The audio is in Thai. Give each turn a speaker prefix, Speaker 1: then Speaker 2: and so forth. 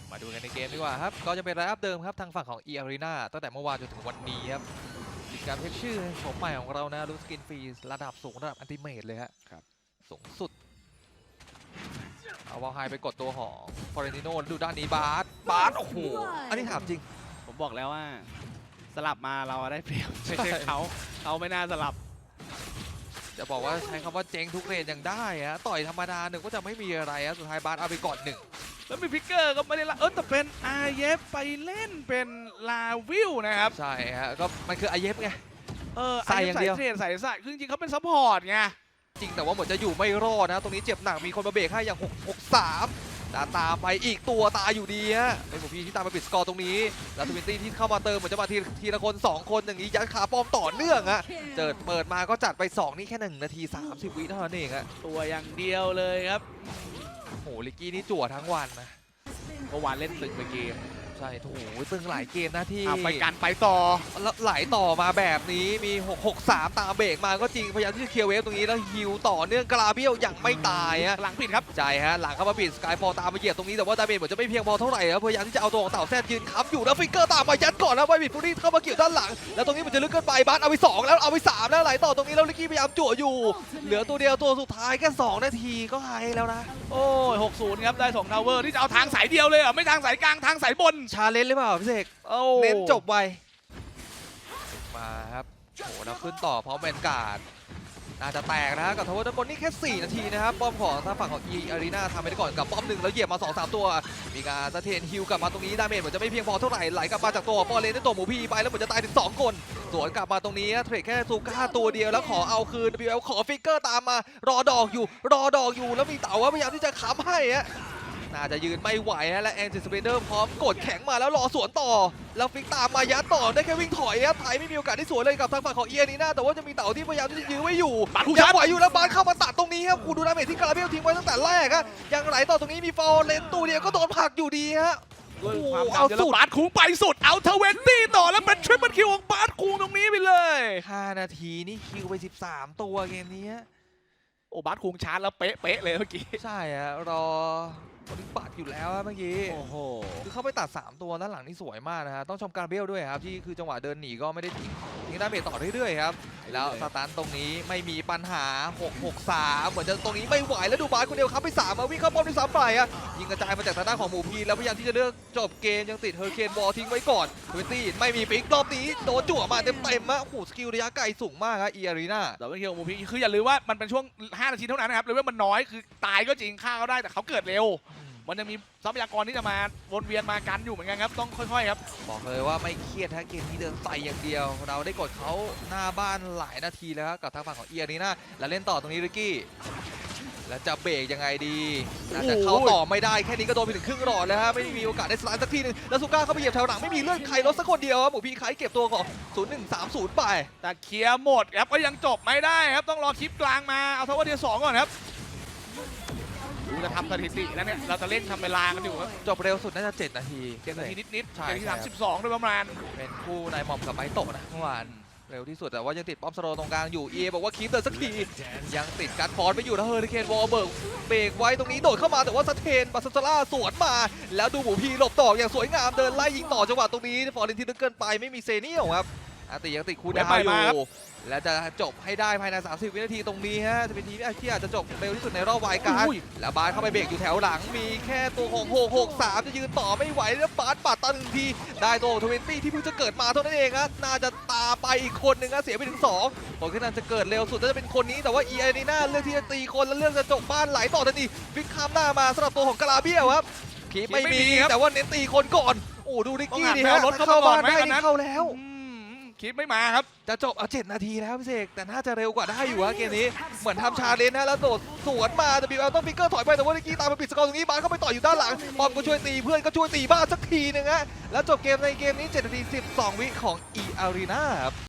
Speaker 1: มาดูกันในเกมดีกว่าครับก็จะเป็นไลน์อัพเดิมครับทางฝั่งของ E-Arena ตั้งแต่เมื่อวานจนถึงวันนี้ครับมีการเช็คชื่อโฉมใหม่ของเรานะรู้สกินฟรีระดับสูงระดับอันติเมทเลยฮะสูงสุดเอาวอลไฮไปกดตัวของฟอเรนติโนดูด้านนี้บาสโอ้โหอันนี้ถามจริง
Speaker 2: ผมบอกแล้วว่าสลับมาเราได้เปรียบไม่ใช่เขาไม่น่าสลับ
Speaker 1: จะบอกว่าใช้คำว่าเจ๊งทุกเรนยังได้ฮะต่อยธรรมดาหนึ่งก็จะไม่มีอะไรฮะสุดท้ายบาสเอาไปก่อนหนึ่ง
Speaker 2: แล้วมีพิกเกอร์ก็ไม่ได้ละแต่เป็นอาเยฟไปเล่นเป็นลาวิลนะครับ
Speaker 1: ใช่ฮะก็มันคืออาเยฟไง
Speaker 2: ใส่อย่างเดียวใส่คือจริงๆเขาเป็นซัพพอร์ตไง
Speaker 1: จริงแต่ว่าเหมือนจะอยู่ไม่รอดนะตรงนี้เจ็บหนักมีคนมาเบรกให้อย่าง663ตามไปอีกตัวตายอยู่ดีฮะเป็นผมพี่ที่ตามมาปิดสกอร์ตรงนี้แล้วทวินตี้ที่เข้ามาเติมเหมือนจะมาทีละคน2คนอย่างนี้ยัดขาป้อมต่อเนื่องฮะเปิดมาก็จัดไป2นี่แค่1 นาที 30 วิเท่านั้นเองฮะ
Speaker 2: ตัวอย่างเดียวเลยครับ
Speaker 1: โหลิกกี้นี่จั่วทั้งวันนะ
Speaker 2: เมื่อวานเล่นตึกไปเกม
Speaker 1: ใช่โอ้โหตึงหลายเกมนะที่
Speaker 2: ไปกันไปต่อ
Speaker 1: แล้วไหลต่อมาแบบนี้มี663ตามเบรกมาก็จริงพยายามที่จะเคลียร์เวฟตรงนี้แล้วฮิวต่อเนื่องกราเบียวยังไม่ตายฮะ
Speaker 2: หลังปิดครับ
Speaker 1: ใช่ฮะหลังเข้ามาปิดสกายฟอลตามมาเหยียบตรงนี้แต่ว่าดาเมจเหมือนจะไม่เพียงพอเท่าไหร่ครับพยายามที่จะเอาตัวของเต่าแซดยืนค้ำอยู่แล้วฟิกเกอร์ตามมายัดก่อนนะไวบิดฟูรี่เข้ามาเกี่ยวด้านหลังแล้วตรงนี้มันจะลึกเกินไปบาสเอาไป2แล้วเอาไป3แล้วไหลต่อตรงนี้แล้วลิกกี้พยายามจั่วอยู่เหลือตัวเดียวตัวสุดท้ายแค่2 นาทีก็หายแล้วนะ
Speaker 2: โอ้ย60ครับได้2ทาวเวอร์ที่จะเอาทางสายเดียวเลยไม่ทางสายกลางทางสายบน
Speaker 1: ชาเลนจ์หรือเปล่าพี่เสกเน้นจบไวมาครับโหแล้วขึ้นต่อพร้อมแวนการ์ดน่าจะแตกนะกับทาวเวอร์ด้านบนนี่แค่4 นาทีนะครับป้อมของทางฝั่งของ E-Arena ทำไปได้ก่อนกับป้อม1แล้วเหยียบมา 2-3 ตัวมีการสะเทนฮิลกลับมาตรงนี้ดาเมจเหมือนจะไม่เพียงพอเท่าไหร่ไหลกลับมาจากตัวฟอร์เรนได้ตัวหมูพีไปแล้วเหมือนจะตายถึง2 คนสวนกลับมาตรงนี้เทรดแค่ซูก้าตัวเดียวแล้วขอเอาคืน WL ขอฟิกเกอร์ตามมารอดอกอยู่แล้วมีเต่าว่าพยายามที่จะค้ำให้ฮะน่าจะยืนไม่ไหวฮะและแอนจิสเปเดอร์พร้อมกดแข็งมาแล้วรอสวนต่อแล้วฟิกตามมายัดต่อได้แค่วิ่งถอยครับไทยไม่มีโอกาสที่สวนเลยกับทางฝั่งของE-Arenaแต่ว่าจะมีเต่าที่พยายามที่จะยื้อไว้อยู่ยังไหวอยู่แล้วบาสเข้ามาตัดตรงนี้ครับกูดูดาเมจที่กาลาเบลทิ้งไว้ตั้งแต่แรกครับยังไหลต่อตรงนี้มีฟอลเลนตัวเดียวก็โดนผลักอยู่ดีฮะ
Speaker 2: เอาสุดบาสคุงไปสุดเอา20ต่อแล้วเป็นทริปเปิลคิวของบาสคุงตรงนี้ไปเลย
Speaker 1: 5 นาทีนี่คิวไป13 ตัวเกมนี้
Speaker 2: โอ้บาสคุงชาร์จแล้วเป๊ะเลยเมื่อกี้
Speaker 1: ใช่ฮะรอคนปัดอยู่แล้วเมื่อกี้
Speaker 2: โอ้โห
Speaker 1: คือเข้าไปตัด3 ตัวด้านหลังนี่สวยมากนะฮะต้องชมการเบลด้วยครับที่คือจังหวะเดินหนีก็ไม่ได้ทิ้งดาเมจต่อเรื่อยๆครับแล้วสตาร์ตรงนี้ไม่มีปัญหา663เหมือนจะตรงนี้ไม่ไหวแล้วดูบาสคนเดียวครับไป3มาวิ่งเข้าป้อมที่3ไปอ่ะยิงกระจายมาจากทางด้านของหมูพีแล้วพยายามที่จะเลือกจบเกมยังติดเฮอร์เคนบอลทิ้งไว้ก่อน20ไม่มีฟิกรอบนี้โดนจั่วมาเต็มๆอ่ะโอ้โหสกิลระยะไกลสูงมากครับE-Arena
Speaker 2: แต่ว่าเคียวหมูพีคืออย่าลืมว่ามันเป็นช่วง5 นาทีเท่านั้นนะครับเลยว่ามันน้อยคือตายก็จริงฆ่าเขาได้แต่เขาเกิดเร็วมันยังมีทรัพยากรที่จะมาวนเวียนมากันอยู่เหมือนกันครับต้องค่อยๆครับ
Speaker 1: บอกเลยว่าไม่เครียดถ้าเกมนี้เดินใส่อย่างเดียวเราได้กดเขาหน้าบ้านหลายนาทีแล้วครับกับทางฝั่งของE-Arenaแล้วเล่นต่อตรงนี้ริกกี้แล้วจะเบรกยังไงดีน่าจะเข้าต่อไม่ได้แค่นี้ก็โดนไปถึงครึ่งหลอดแล้วฮะไม่มีโอกาสได้สไลด์สักทีนึงแล้วซูก้าเข้าไปเหยียบแถวหลังไม่มีเลือดใครลดสักคนเดียวครับหมูพีไคเก็บตัวของ0130ไป
Speaker 2: แต่เคลียร์หมดครับก็ยังจบไม่ได้ครับต้องรอคลิปกลางมาเอาทาวเวอร์เทียร์2ก่อนครับจะทำสถิติแล้วเนี่ยเราจะเล่นทำเวลากันอยู่ครับ
Speaker 1: จบเร็วสุดน่าจะ7 นาที
Speaker 2: 7 นาทีนิดๆ7 นาที 32โดยประมาณ
Speaker 1: เป็นคู่นายหม่อมกับไม้โตนะเมื่อวานเร็วที่สุดแต่ว่ายังติดป้อมสโลตรงกลางอยู่บอกว่าคีปเดินสักทียังติดการฟอนไปอยู่นะเฮอริเคนวอลเบิร์กเบรกไว้ตรงนี้โดดเข้ามาแต่ว่าสเตนบาสซาร่าสวนมาแล้วดูหมูพีหลบต่ออย่างสวยงามเดินไล่ยิงต่อจังหวะตรงนี้ฟอร์เรนที่ลึกเกินไปไม่มีเซเนียลครับยังติดคูดาวอยู่และจะจบให้ได้ภายใน30 วินาทีตรงนี้ฮะจะเป็นทีมที่อาจจะจบเร็วที่สุดในรอบวายการ์ดแล้วบาสเข้าไปเบรกอยู่แถวหลังมีแค่ตัวของ663จะยืนต่อไม่ไหวแล้วบาสปัดตัน1 ทีได้ตัว20ที่เพิ่งจะเกิดมาเท่านั้นเองครับน่าจะตาไปอีกคนนึงนะเสียไปถึง2คนที่นั่นจะเกิดเร็วสุดจะเป็นคนนี้แต่ว่าE-Arenaเลือกที่จะตีคนแล้วเลือกจะจบบ้านไหลต่อทันทีฟิกข้ามหน้ามาสำหรับตัวของกาลาเบียครับคีไม่มีแต่ว่าเน้นตีคนก่อนโอ้ดูดิกกี้ดิฮะรถเข้าบ้านได้นี่เข้าแล้ว
Speaker 2: คลิปไม่มาครับ
Speaker 1: จะจบ7 นาทีแล้วพี่เสกแต่น่าจะเร็วกว่าได้อยู่ฮะเกมนี้เหมือนทำชาเลนจ์นะแล้วโดดสวนมาWLต้องฟิกเกอร์ถอยไปแต่ว่าลิกกี้ตามมาปิดสกอร์ตรงนี้บาสเข้าไปต่ออยู่ด้านหลังบอมก็ช่วยตีเพื่อนก็ช่วยตีบ้านสักทีนึงฮะแล้วจบเกมในเกมนี้7 นาที 12 วิของE-Arenaครับ